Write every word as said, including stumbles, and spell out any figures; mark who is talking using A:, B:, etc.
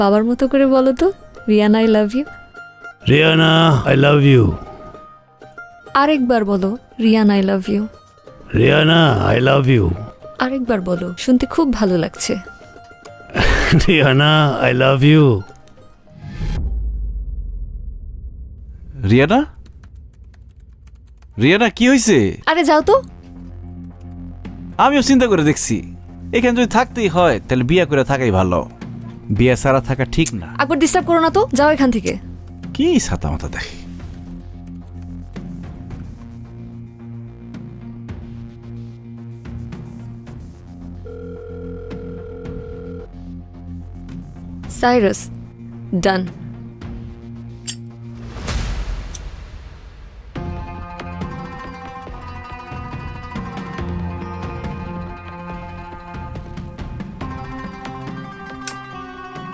A: বাবার মতো করে বলো তো, Riyana I love you.
B: Riyana I love you.
A: আরেকবার বলো, Riyana I love you.
B: Riyana I love you.
A: আরেকবার বলো, শুনতে খুব ভালো লাগছে।
B: Riyana I love you.
C: Riyana Riyana কি হয়েছে?
A: আরে যাও তো।
C: আমিও চিন্তা করে দেখছি, এখানে যদি থাকতেই হয় তাহলে বিয়ে করে থাকাই ভালো, বিয়ে ছাড়া থাকা ঠিক না।
A: একবার ডিস্টার্ব করো না তো, যাও এখান থেকে।
C: কি ছাতা মাথা দেখি।
A: সাইরাস, ডান।